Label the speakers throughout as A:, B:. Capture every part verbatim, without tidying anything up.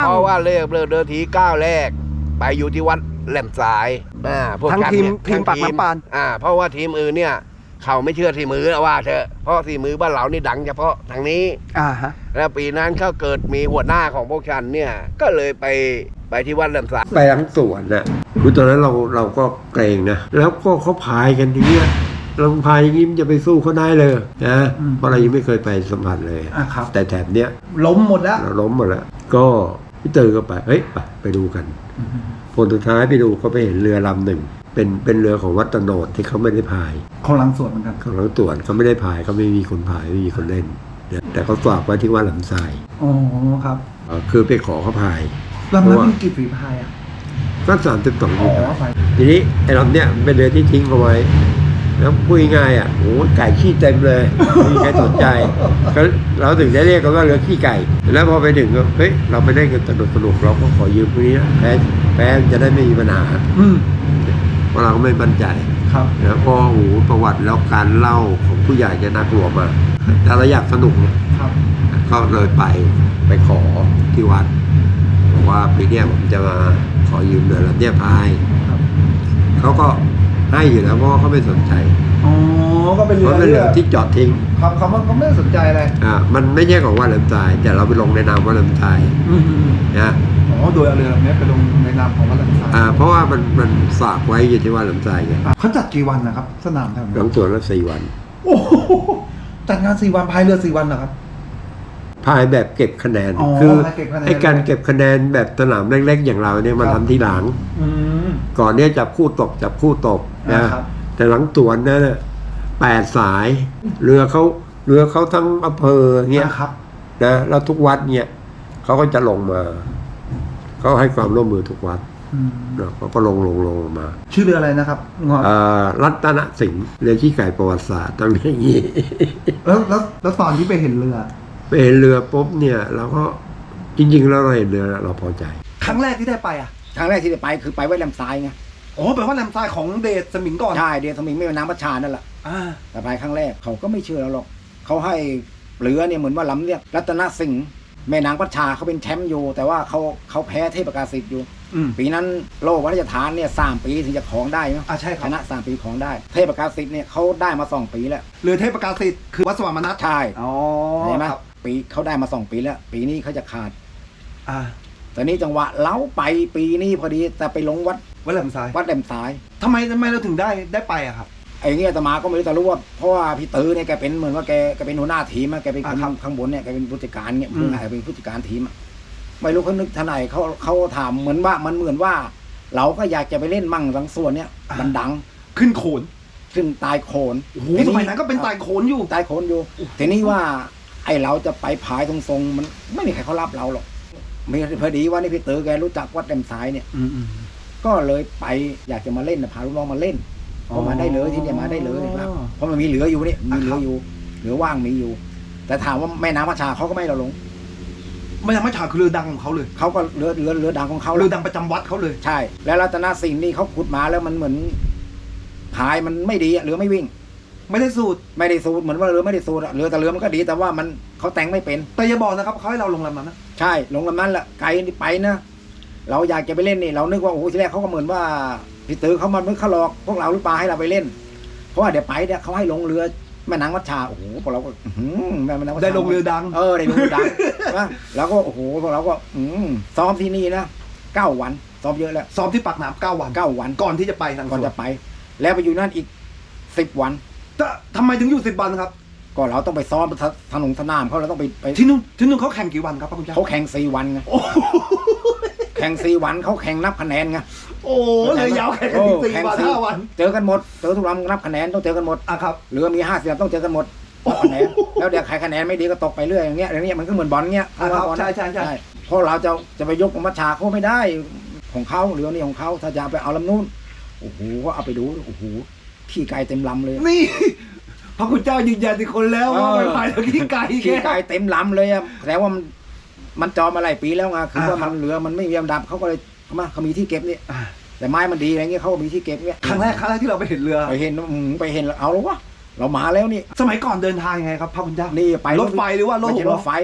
A: เพราะว่าเลิกเลิกเดินทีก้าวแรกไปอยู่ที่วัดแหลมสายอ่าพวก
B: ทั้งทีม
A: เนี่ย
B: ทีมปากน้ำปาน
A: อ่าเพราะว่าทีมอื่นเนี่ยเขาไม่เชื่อทีมือว่าเถอะเพราะทีมือบ้านเรานี่ดังเฉพาะทางนี้
B: อ่าฮะ
A: แล้วปีนั้นเขาเกิดมีหัวหน้าของพวกฉันเนี่ยก็เลยไปไปที่วัดแหลมสาย
C: ไปทั้งสวนน่ะคือตอนนั้นเราเราก็เกรงนะแล้วก็เขาพายกันอย่างเงี้ยเราพายอย่างงี้มันจะไปสู้เขาได้เลยนะเพราะเรายังไม่เคยไปสัมผัสเลย
B: อ่าครับ
C: แต่แถบเนี้ย
B: ล้มหมดแล้ว
C: เราล้มหมดแล้วก็พี่เตอร์ก็ไปเฮ้ยไปไปดูกันผลสุดท้ายไปดูเขาไปเห็นเรือลำหนึ่งเป็นเป็นเรือของวัดตะโนดที่เขาไม่ได้พาย
B: ของหลังสวนเหมือนกัน
C: ของเราตรวจเขาไม่ได้พายเขาไม่มีคนพายไม่มีคนเล่นนะแต่เขาฝากไว้ที่วัดหลำทราย
B: อ๋อครับ
C: เอ่อคือไปขอเขาพาย
B: ลำนั้นมีกี่ฝีพายอ่ะ
C: ก็สามสิบสอง
B: อ๋
C: ปี
B: อไฟ
C: ทีนี้ไอ้ลำเนี้ยเป็นเรือที่ทิ้งเอาไว้แล้วพูดง่ายๆอ่ะโอ้ไก่ขี้เต็มเลยไม่มีใครสนใจก็เราถึงได้เรียกกันว่าเรือขี้ไก่ แล้วพอไปถึงก็เฮ้ยเราไปได้กันสนุกสนุกเราก็ขอยืมพวกนี้นะแพ้แพ้จะได้ไม่มีปัญหา
B: อืม
C: เพราะเราก็ไม่มั่นใจ
B: ครับ
C: แล้วพอโอ้โหประวัติแล้วการเล่าของผู้ใหญ่จะน่ากลัวมากแต่เราอยากสนุกเนี่ย
B: ครับ
C: ก็เลยไปไปขอที่วัดบอกว่าปีเนี้ยผมจะมาขอยืมเรือลำเนี้ยพาย
B: ครับ
C: เขาก็ให้อยู่แล้วเพราะว่าเขาไม่สนใจ
B: อ๋อก็เป็น
C: เพ
B: เรือ
C: ราะเป็นเรือที่จอดทิ้ง
B: ครับเขาเขาไม่ได้สนใจอะไร
C: อ่ามันไม่ใช่ของวัดแหลมทรายแต่เราไปลงในนามวัดแหลมทราย
B: อืมอืม
C: นะ
B: อ๋อโดยเอาเรือลำนี้ไปลงในนามของวัดหลังสาย
C: อ่าเพราะว่ามันมันฝากไว้อยู่ที่วัดแหลมทรายไง
B: เขาจัดกี่วันนะครับ สนามแถว
C: ห
B: นั้
C: ลั
B: น
C: งสวนละสี่วัน
B: โอ้โหจัดงานสี่วันพายเรือสี่วันเหรอครับ
C: พายแบบเก็บคะแนน
B: อ๋อ
C: คือ
B: พายเก็บคะแนน
C: ไอ้การเก็บคะแนนแบบสนามเล็กๆ อย่างเราเนี่ยมัน
B: ครับ
C: ทำทีหลัง
B: อืม
C: ก่อนเนี้ยจับคู่ตกจับคู่ตกนะ
B: ครับ
C: แต่หลังสวนนั่นน่ะแปดสาย เรือเขาเรือเขาทั้งอำเภอเงี้ย
B: นะครับ
C: นะแล้วทุกวัดเนี่ยเขาก็จะลงมาเขาให้ความร่วมมือทุกวัด
B: อืม
C: นะเขาก็ลงลงลงลงมา
B: ชื่อเรืออะไรนะครับงอ
C: เอ่อรัตนสิงห์เรือขี้ไก่ประวัติศาสตร์ต้องอย่างนี้
B: แล้วแล้วแล้วตอนที่ไปเห็นเรือ
C: ไปเห็นเรือปุ๊บเนี่ยเราก็จริงๆแล้วเราเห็นเรือเราพอใจ
B: ครั้งแรกที่ได้ไปอ่ะ
D: ครั้งแรกที่ได้ไปคือไปไว้แหลมทรายไง
B: อ๋อแปลว่าแหลมทรายของเดชสมิงก่อน
D: ใช่เดียวสมิงไม่เป็นน้ำประชานั่นแหละ
B: อ่า
D: แต่ไปครั้งแรกเขาก็ไม่เชื่อเราหรอกเขาให้เรือเนี่ยเหมือนว่าลำเนี่ยรัตนสิงห์แม่นางประชาเขาเป็นแชมป์อยู่แต่ว่าเขาเขาแพ้เทพประกาศสิทธิ์อยู่
B: อืม
D: ปีนั้นโลกวัฒนทานเนี่ยสามปีถึงจะของได้เนาะ
B: อ่าใช่ค
D: ช
B: รับ
D: นะสามปีของได้ เทพประกาศสิทธิ์เนี่ยเขาได้มาสองปีแล้ว
B: เรือเทพประกาศสิทธิ์คือวัดสว่างมนัส
D: ใช่
B: อ๋อ
D: เห็นไหม
B: ครับ
D: ปีเขาได้มาสองปีแล้ว ปีนี้เขาจะขาด
B: อ่า
D: แต่นี้จังหวะเล้าไปปีนี้พอดีแต่ไปลงวัด
B: วัดแหลมทราย
D: วัดแหลมสาย
B: ทำไมทำไมเราถึงได้ได้ไปอะครับ
D: ไอ้เงี้ยอาตมาก็ไม่รู้แต่รู้ว่าเพราะว่าพี่ตื้อเนี่ยแกเป็นเหมือนว่าแกแกเป็นหัวหน้าทีมอะแกเป็นคน
B: อ่าครับ
D: ข้างบนเนี่ยแกเป็นผู้จัดการเนี่ย
B: อืม
D: ผู้ไหนเป็นผู้จัดการทีมอะไม่รู้เขานึกท่าไหนเขาเขาถามเหมือนว่ามันเหมือนว่า เราก็อยากจะไปเล่นมั่งบางส่วนเนี่ยมันดัง
B: ขึ้นโขน
D: ขึ้นตายโขน
B: โอ้โห
D: ที
B: สมัยนั้นก็เป็นตายโขนอยู่
D: ตายโขนอยู่ทีนี้ว่าไอ้เราจะไปผายตรงๆมันไม่มีใครเขารับเราหรอกมีพอดีว่านี่พี่ตื้อแกรู้จักวัดแดมสายเนี่ย
B: อืมอืม
D: ก็เลยไปอยากจะมาเล่นนะพาลูกน้องมาเล่น
B: อ๋อ
D: พอมาได้เลยที่เนี่ยมาได้เลยครับเพราะมันมีเหลืออยู่นี่มีเหลืออยู่เหลือว่างมีอยู่ แต่ถามว่าแม่น้ำวัชาเขาก็ไม่ให้เราลง
B: ไม่ยังไม่ฉากคือเรือดังของเขาเลย
D: เขาก็เรือเรือเรือดังของเขา
B: เรือดังประจำวัดเขาเลย
D: ใช่ แล้วรัตนสิงห์นี่เขาขุดมาแล้วมันเหมือนพายมันไม่ดีอะเรือไม่วิ่ง
B: ไม่ได้สูตร
D: ไม่ได้สูดเหมือนว่าเรือไม่ได้สูดอะเรือแต่เรือมันก็ดีแต่ว่ามันเขาแต่งไม่เป็น
B: แต่อย่าบอกนะครับเขาให้เราลงลำนั้นนะ
D: ใช่ลงลำนั้นแหละไกลนี่ไปนะเราอยากจะไปเล่นนี่เรานึกว่าโอ้โหทีแรกเขาก็เหมือนว่าพี่ตื้อเขามาเมื่อเขาหลอกพวกเราหรือเปล่าให้เราไปเล่น เพราะว่าเดี๋ยวไปเนี่ยเขาให้ลงเรือแม่นางวัชชาโอ้โหพวกเราก็อื้อหือแม่นางวัชชา
B: ได้ลงเรือดัง
D: เออได้ลงเรือดัง นะแล้วก็โอ้โหพวกเราก็อืมซ้อมที่นี่นะเก้าวันซ้อมเยอะแล้ว
B: ซ้อมที่ปากน้ำเก้าวัน
D: เก้าวัน
B: ก่อนที่จะไปทาง
D: ก่อน
B: สว
D: จะไป แล้วไปอยู่นั่นอีกสิบวัน
B: แต่ทำไมถึงอยู่สิบวันครับ
D: ก็เราต้องไปซ้อมถนนสนามเขาเราต้องไปไป
B: ที่นู่นที่นู่นเขาแข่งกี่วันครับพระคุณเจ้า
D: เขาแข่งสี่วันไง
B: โอ้โห
D: แข่งสี่วันเขาแข่งนับคะแนนไง
B: โอ้โหเลยยาวแข่งกันถึงสี่วันห้าวัน
D: เจอกันหมดเจอทุกลำนับคะแนนต้องเจอกันหมด
B: อ่ะครับ
D: เรือมีห้าสิบลำต้องเจอกันหมดนับคะแนนแล้วเดี๋ยวใครคะแนนไม่ดีก็ตกไปเรื่อยอย่างเงี้ยอย่างเงี้ยมันก็เหมือนบอลเงี้ย
B: อ่ะครับ
D: บอลนะ
B: ใช่ใช่ใช่
D: เพราะเราจะจะไปยกมัชชาเขาไม่ได้ของเขาเรือนี่ของเขาถ้าจะไปเอาลำนู้นโอ้โหก็เอาไปดูโอ้โหขี้ไก่เต็มลำเลย
B: นี่พระคุณเจ้ายืนยันอีกคนแล้วว่า
D: เออ
B: ไม่พายแล้วขี้ไก่
D: ขี้
B: แก
D: ไก่เต็มลำเลยอะแต่ว่ามันมันจอมาหลายปีแล้วไงคือว่า
B: อ่าครั
D: มั
B: บ
D: นเรือมันไม่มีลำดับเขาก็เลยเขามาเขามีที่เก็บนี่
B: อ่ะ
D: แต่ไม้มันดีอะไรเงี้ยเขาก็มีที่เก็บเงี้ย
B: ครั้งแรกครั้งแรกที่เราไปเห็นเรือ
D: ไปเห็นอืมไปเห็นแล้วเอาแล้ววะเรามาแล้วนี่
B: สมัยก่อนเดินทางยังไงครับพระคุณเจ้า
D: นี่ไป
B: รถไฟหรือว่ารถ
D: ไม่
B: ห
D: ใช่
B: ก
D: ร
B: ล้อ
D: ถไฟรถ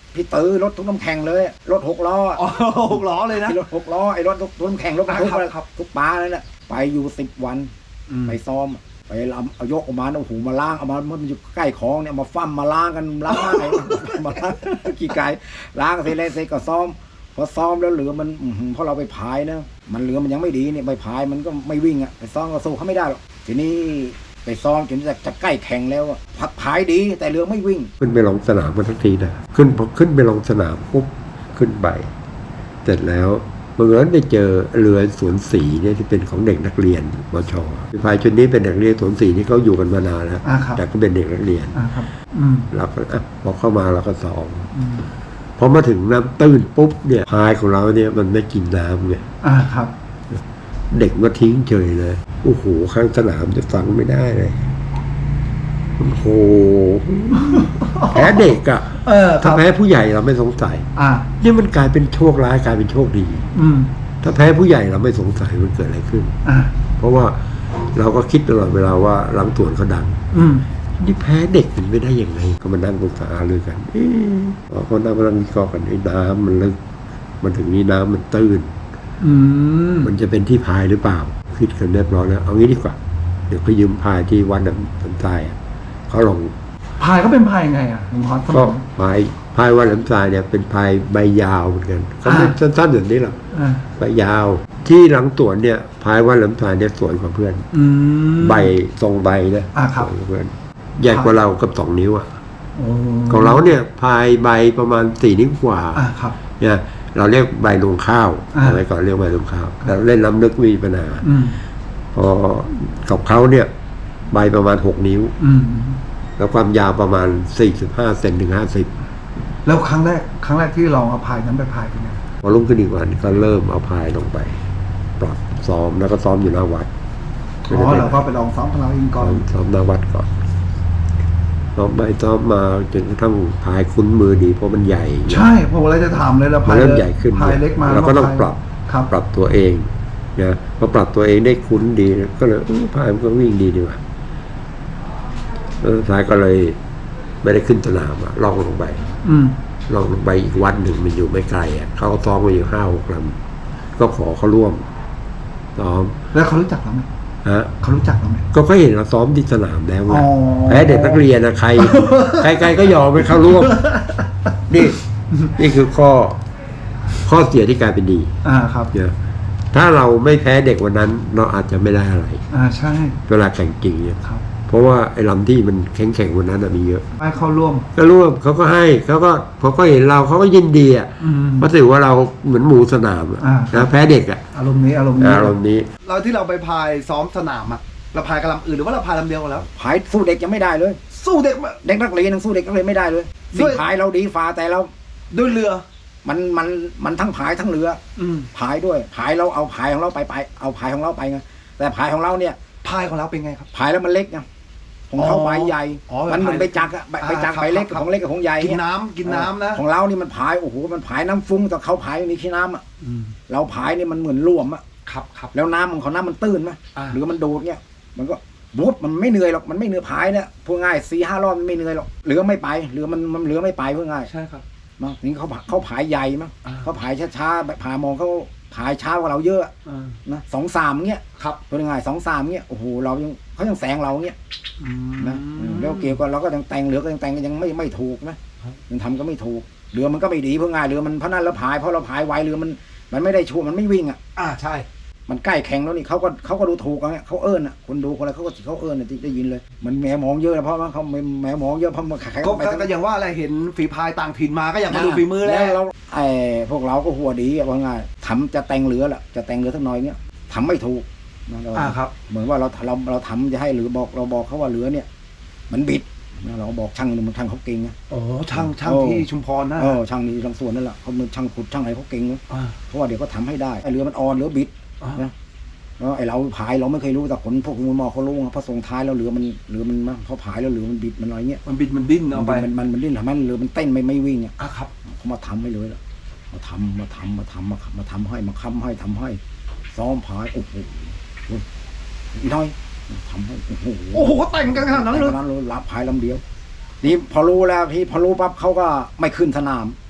D: พี่ตื้อรถทุกน้ำแข็งเลยรถหกล้อ
B: อ๋อหกล้อเลยนะ
D: ไอ้รถหกล้อไอ้รถทุกน้ำแข็งรถบรรทุก
B: ครับครับ
D: ทุกปลาเลยน่ะไปอยู่สิบวัน
B: อืม
D: ไปซ้อมไปลำเอายกออกมาโอ้โหมาล้างเอามามันอยู่ใกล้คลองเนี่ยมาฟั่มมาล้างกันล้างไอ้ มาล้างกี่ไก่ล้างเสร็จแล้วเสร็จก็ซ้อมพอซ้อมแล้วเหลือมันอื้อหือเพราะเราไปพายนะมันเหลือมันยังไม่ดีเนี่ยไปพายมันก็ไม่วิ่งอ่ะไปซ้อมก็สู้เขาไม่ได้หรอกทีนี้ไปซ้อมจนจะจะใกล้แข่งแล้วอะพักพายดีแต่เรือไม่วิ่ง
C: ขึ้นไปลงสนามกันทักทีนะขึ้นพอขึ้นไปลงสนามปุ๊บขึ้นไปเสร็จแล้วบังเอิญไปเจอเรือสวนสีเนี่ยที่เป็นของเด็กนักเรียนมชพายชุดนี้เป็นเด็กนักเรียนสวนสีที่เขาอยู่กันมานานแล้ว
B: อ่าครับ
C: แต่ก็เป็นเด็กนักเรียน
B: อ่าครับ อืม
C: เราก็อ่ะพอเข้ามาเราก็ซ้อม
B: อืม
C: พอมาถึงน้ำตื้นปุ๊บเนี่ยพายของเราเนี่ยมันไม่กินน้ำไง
B: อ่าครับ
C: เด็กมาทิ้งเฉยเลยโอ้โหข้างสนามจะฟังไม่ได้เลยโอ้โหแพ้เด็กอะ
B: เออค
C: ถ้า
B: รับ
C: แพ้ผู้ใหญ่เราไม่สงสัย
B: อ่า
C: นี่มันกลายเป็นโชคร้ายกลายเป็นโชคดี
B: อืม
C: ถ้าแพ้ผู้ใหญ่เราไม่สงสัยมันเกิดอะไรขึ้น
B: อ่า
C: เพราะว่าเราก็คิดตลอดเวลาว่าหลังสวนเขาดัง
B: อืม
C: นี่แพ้เด็กมันไม่ได้ยังไงก็มานั่งปรึกษาเลยกันเอ๊ะพอเขานั่งมานั่งวิเคราะห์กันไอ้น้ำมันลึกมันถึงนี้น้ำมันตื้น
B: อืม
C: มันจะเป็นที่พายหรือเปล่าคิดกันเรียบร้อยแล้วเอางี้ดีกว่าเดี๋ยวไปยืมพายที่วัดน้ำสันทรายอะเขาลอง
B: พายเขาเป็นพายไงอ่ะหลวงพ่อสม
C: ก็
B: อง
C: พายพายวัดน้ำทรายเนี่ยเป็นพายใบยาวเหมือนกันเขาไม่
B: อ่า
C: สั้นๆแบบนี้หรอก
B: อ่า
C: ใบยาว ที่หลังสวนเนี่ยพายวัดน้ำทรายเนี่ยสวยกว่าเพื่อน
B: อืม
C: ใบทรงใบนะ
B: อ่าครับ
C: สวยกว่าเพื่อนใหญ่กว่าเรากับสองนิ้วอะ
B: โอ้
C: ของเราเนี่ยพายใบประมาณสี่นิ้วกว่า
B: อ่าครับ
C: เนี่ยเราเรียกใบรวงข้าว
B: อ่า
C: อะไรก่อนเรียกใบรวงข้าวแต่เล่นน้ำลึกมีปัญหา
B: อืม
C: พอกับเขาเนี่ยใบประมาณหกนิ้ว
B: อืม
C: แล้วความยาวประมาณสี่สิบห้าเซนถึงห้าสิบ
B: แล้วครั้งแรกครั้งแรกที่ลองเอาพายนั้นไปพายเป็นไง
C: พอรุ่งขึ้นอีกวันก็เริ่มเอาพายลงไปปรับซ้อมแล้วก็ซ้อมอยู่หน้าวัด
B: อ๋อเราก็ไปลองซ้อมของเราเองก่
C: ซ้
B: อ
C: อน มซ้อมหน้าวัดก่อนซ้อมไปซ้อมมาจนกระทั่งพายคุ้นมือดีเพราะมันใหญ่
B: ใช่ผมอะไรจะถามเลยเรา
C: มั
B: พาน ย
C: เริ่มใหญ่ขึ้น
B: พายเล็กมา
C: เราก็ต้องปรับ
B: ครับ
C: ปรับตัวเองนะพอปรับตัวเองได้คุ้นดี ก็เลยเออพายมันก็วิ่งดีดีว่ะเออท้ายก็เลยไม่ได้ขึ้นสนามอะล่องลงไป
B: อืม
C: ล่องลงไปอีกวัดหนึ่งมันอยู่ไม่ไกลอ่ะเขาก็ซ้อมมาอยู่ห้าหกลำก็ขอเขาร่วมซ้อม
B: แล้วเขารู้จักเราไหม
C: ฮะ
B: เขารู้จักเราไหม
C: ก็เขาเห็นเราซ้อมที่สนามแล้วไง
B: อ๋อ
C: แพ้เด็กนักเรียนนะใคร ใครๆก็ยอมไปเข้าร่วม นี่ นี่คือข้อ ข้อเสียที่กลายเป็นดี
B: อ่าครับ
C: เนี่ยถ้าเราไม่แพ้เด็กวันนั้น เราอาจจะไม่ได้อะไร
B: อ่าใช่
C: เวลาแข่งจริงเนี่ย
B: ครับ
C: เพราะว่าไอ้ลำที่มันแข็งๆวันนั้นน่ะมีเยอะ
B: ให้เข้าร่วม
C: ก็ร่วมเขาก็ให้เขาก็พอเขาเห็นเราเขาก็ยินดีอ่ะ
B: อืม
C: เพราะถือว่าเราเหมือนหมูสนามอะ
B: อ่า
C: นะแพ้เด็กอ่ะ
B: อารมณ์นี้อารมณ์นี้
C: อารมณ์นี้
B: เราที่เราไปพายซ้อมสนามอะเราพายกับลำอื่นหรือว่าเราพายลำเดียวกันแล้ว
D: พายสู้เด็กยังไม่ได้เลย
B: สู้เด็กมา
D: เด็กนักเรียนยังสู้เด็กนักเรียนไม่ได้เลย
B: ด้
D: สิ่
B: วย
D: งพายเราดีฟ้าแต่เรา
B: ด้วยเรือ
D: มันมันมันทั้งพายทั้งเรือ
B: อืม
D: พายด้วยพายเราเอาพายของเราไปไปเอาพายของเราไปไงแต่พายของเราเนี่ย
B: พายของเราเป็นไงครับ
D: พายแล้วมันเล็กไงของเขา
B: อ๋อ
D: ใบใหญ่
B: อ๋อ
D: มันเหมือน
B: พาย
D: ใบจักรอะใบ
B: อ่า
D: ใบจักร
B: ครับ
D: ใบเล็ก
B: ครับ
D: ของเล็กกับของใหญ่
B: กิน
D: เย
B: น้ำกินน้ำนะ
D: ของเรานี่มันพายโอ้โหมันพายน้ำฟุ้งแต่เขาพายไม่มีขี้น้ำอ่ะ
B: อืม
D: เราพายนี่มันเหมือนร่วมอ่ะ
B: ครับครับ
D: แล้วน้ำของเขาน้ำมันตื้นไหม
B: อ่า
D: หรือมันดูดเนี่ยมันก็บุ๊บมันไม่เหนื่อยหรอกมันไม่เหนื่อยพายเนี่ยพูดง่ายสี่ห้ารอบมันไม่เหนื่อยหรอกเรือไม่ไปเรือมันมันเรือไม่ไปพูดง่าย
B: ใช่ครับ
D: มั้งนี่เขาเขาผายใหญ่มั้ง
B: อ่า
D: เขาผายช้าๆแบบผามองเขาผายช้ากว่าเราเยอะ
B: อ่า
D: นะสองสามเงี้ย
B: ครับ
D: เป็นไงสองสามเงี้ยโอ้โหเรายังเขายังแซงเราเงี้ย
B: อืม
D: นะอืมแล้วเกี่ยวกับเราก็ยังแต่งเหลือก็ยังแต่งก็ยังไม่ไม่ถูกนะครับ ยังทำก็ไม่ถูกเรือมันก็ไม่ดีเพื่อง่ายเรือมันเพราะนั้นแล้วผายเพราะเราผายไวเรือมันมันไม่ได้ชัวร์มันไม่วิ่งอ่ะ
B: อ่าใช่
D: มันใกล้แข่งแล้วนี่เขาก็เขาก็ดูถูกกันเนี่ยเขาเอิญอ่ะคนดูคนอะไรเขาก็เขาเอิญอ่ะที่ได้ยินเลย มันแหมมองเยอะนะเพราะว่าเขาแหมมองเยอะเพราะมันใครๆ
B: ก็
D: ไป
B: ก็อย่างว่าอะไรเห็นฝีพายต่างถิ่นมาก็อยากมาดูฝีมือแล้ว
D: เราไอ้พวกเราก็หัวดีอะว่าง่ายทำจะแต่งเรือแหละจะแต่งเรือสักหน่อยเนี้ยทำไม่ถูกนะเรา
B: อ่าครับ
D: เหมือนว่าเราเราเราทำจะให้หรือบอกเราบอกเขาว่าเรือเนี่ย มันบิดนะเราบอกช่างนี่มันช่างเขาเก่งนะ
B: โอ้ช่างช่าง
D: โอ้
B: ที่ชุมพรนะ
D: เออช่างนี่ทางสวนนั่นแหละเขาเป็นช่างขุดช่างอะไรเขาเก่งนะ
B: อ่า
D: เพราะว่าเดี๋ยวก็ทำให้ได้ไอ้เรือมันอ่อนเรือบิด
B: อ่า
D: นะแล้วไอ้เราพายเราไม่เคยรู้แต่คนพวกมูลมอเขารู้ไงเพราะส่งท้ายแล้วเรือมันเรือมันมาพอพายแล้วเรือมันบิดมันอะไรเงี้ย
B: มันบิดมันดิ้นเอาไป
D: มันมันมันดิ้นทำให้เรือมันเต้นไม่ไม่วิ่งอ่ะ
B: อ่ะครับ
D: เขามาทำให้เลยล่ะมาทำมาทำมาทำมามาทำให้มาค้ำให้ทำให้ซ้อมพายโอ้โหอีน้อยทำให้โอ้โห
B: โอ้โหแต่งกันขนาดนั้นเลย
D: นั้นเลยรับพายลำเดียวนี่พอรู้แล้วพี่พอรู้ปั๊บเขาก็ไม่ขึ้นสนาม
B: อ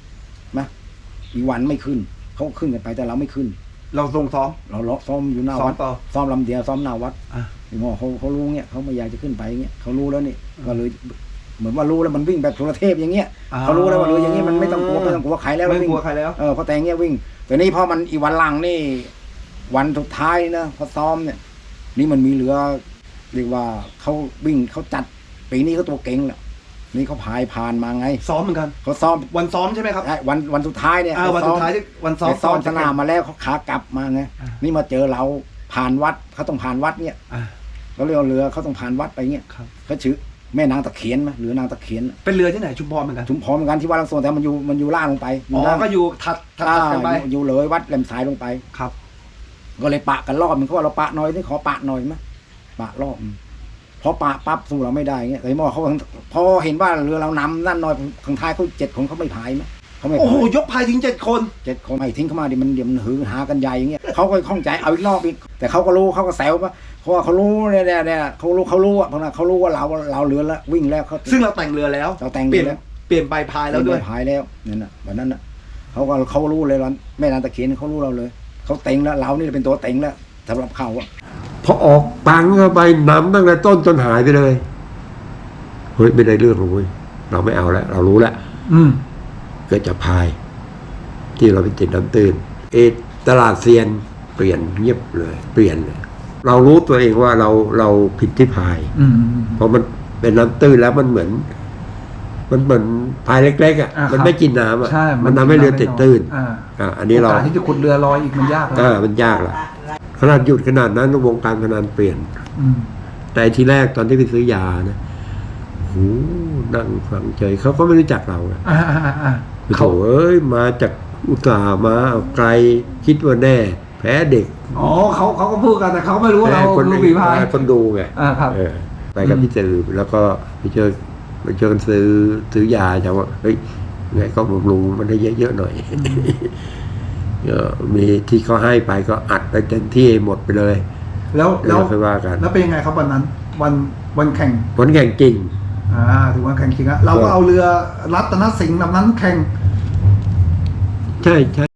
D: อีวันไม่ขึ้นเขาขึ้นกันไปแต่เราไม่ขึ้น
B: เราทรงซ้อม
D: เราเลาะซ้อมอยู่หน้า
B: ซ้อ
D: วั
B: ม
D: ด
B: ต่อ
D: ซ้อมลำเดียวซ้อมหน้าวัด
B: อ่ะ
D: ไอ้หมอเขาเขารู้เงี้ยเขาไม่อยากจะขึ้นไปเงี้ยเขารู้แล้วนี่ก็เลยเหมือนว่ารู้แล้วมันวิ่งแบบโทรเทพอย่างเงี้ย
B: อ่า
D: เขารู้แล้วว่าเรืออย่างงี้มันไม่ต้องกลัวไม่ต้องกลัวใครแล้ว
B: ไม่
D: วิ่ง
B: กลัวใครแล้ว
D: เออพอแต่งเงี้ยวิ่งแต่นี่พอมันอีวันหลังนี่ วันสุดท้ายนะพอซ้อมเนี่ย นี่มันมีเรือเรียกว่าเขาวิ่งเขาจัดปีนี้เขาตัวเก่งแหละนี่เขาพายผ่านมาไง
B: ซ้อมเหมือนกัน
D: เขาซ้อม
B: วันซ้อมใช่ไหมครับ
D: ใช่วันวันสุดท้ายเนี่ย
B: อ่าวันสุดท้ายที่วันซ้อม
D: ไปซ้อมสนามมาแล้วเขาขากลับมาไง
B: อ่า
D: นี่มาเจอเราผ่านวัดเขาต้องผ่านวัดเนี่ย
B: อ่ะ
D: เขาเรียกว่าเรือเขาต้องผ่านวัดไปเงี้ย
B: ครับ
D: เขาชื่อแม่นางตะเคียนไหมหรือนางตะเคียน
B: เป็นเรือที่ไหนชุมพรเหมือนกัน
D: ชุมพรเหมือนกันที่วัดลังโซนแต่มันอยู่มันอยู่ล่างลงไป
B: อ๋อ
D: ล่าง
B: ก็อยู่ถัดถัด
D: อ่า
B: ถัดกันไป
D: อยู่อยู่เลยวัดแหลมสายลงไป
B: ครับ
D: ก็เลยปะกันรอบมันเขาว่าเราปะหน่อยนี่ขอปะหน่อยไหมปะรอบพอปะปั๊บสู้เราไม่ได้เงี้ยแต่หมอเขาพอเห็นว่าเรือเรานำนั่นหน่อยข้างท้ายเขาเจ็ดคนเขาไม่พายไหมเขาไม่
B: โอ้โห
D: พาย
B: ยกพายทิ้งเจ็ดคน
D: เจ็ดคนไม่ทิ้งเข้ามาดิมันเดี๋ยวมันหือหากันใหญ่อย่างเงี้ยเขาก็ข้องใจเอาอีกรอบอีกแต่เขาก็รู้เขาก็แซวว่าเพราะว่าเขารู้เนี่ยเนี่ยเนี่ยเขารู้เขารู้อ่ะเพราะว่าเขารู้ว่าเราเราเรือแล้ววิ่งแล้วเขา
B: ซึ่งเราแต่งเรือแล้ว
D: เราแต่ง
B: เปลี่ยน
D: เรือแล้ว
B: เปลี่ยนใบพายแล้วด้วย
D: ไม่พายแล้วนั่นน่ะวันนั้นน่ะเขาก็เขารู้เลยว่าแม่นางตะเคียนเขารู้เราเลยเขาเต็งแล้วเรานี่เป็นตัวเต็งแล้วสำหรับเขาอ่ะ
C: พอออกตังเข้าไปนำตั้งแต่ต้นจนหายไปเลยเฮ้ยไม่ได้เรื่องหรอกเว้ยเราไม่เอาแล้ว เรารู้แล้ว
B: อืม
C: ก็จะพาย ที่เราไปติดน้ำตื้นเอตลาดเซียนเปลี่ยนเงียบเลย เปลี่ยนเลย เรารู้ตัวเองว่าเราเราผิดที่พาย
B: อืม
C: เพราะมันเป็นน้ำตื้นแล้วมันเหมือน มันเหมือนพายเล็กๆอ่ะ
B: อ่าครับ
C: มันไม่กินน้ำอ่ะ
B: ใช่
C: มันทำให้เรือติดตื้น
B: อ่า
C: อ่าอันนี้เรา
B: โอกาสที่จะขุดเรือลอยอีกมันยากนะ
C: อ่ามันยากละขนาดหยุดขนาดนั้นวงการพนันเปลี่ยน
B: อืม
C: แต่ทีแรกตอนที่ไปซื้อยานะโหนั่งฟังเฉยเขาก็ไม่รู้จักเราอะ
B: อ่าอ่าอ่าอ่า
C: โถเอ้ยมาจากอุตสาห์มาไกลคิดว่าแน่ แพ้เด็ก
B: อ๋อเขาเขาก็พูดกันแต่เขาไม่รู้ว่า
C: แพ้
B: เรา
C: คน
B: รู้ฝีพาย
C: แพ้คนดูไง
B: อ่าครับ
C: เออไปกับพี่ตือแล้วก็ไปเจอไปเจอกันซื้อซื้อยาจะว่าเฮ้ยไงก็บำรุงมันให้เยอะๆหน่อยก็มีที่เขาให้ไปก็อัดไปเต็มที่หมดไปเลย
B: แล้ว
C: เดี๋ยว
B: แล้ว
C: เราค่อยว่ากัน
B: แล้วเป็นยังไงครับวันนั้น วันวันแข่ง
C: ผลแข่งจริง
B: อ่าถือว่าแข่งจริงอะเราก็เอาเรือรัตนสิงห์ลำนั้นแข่ง
C: ใช่ใช่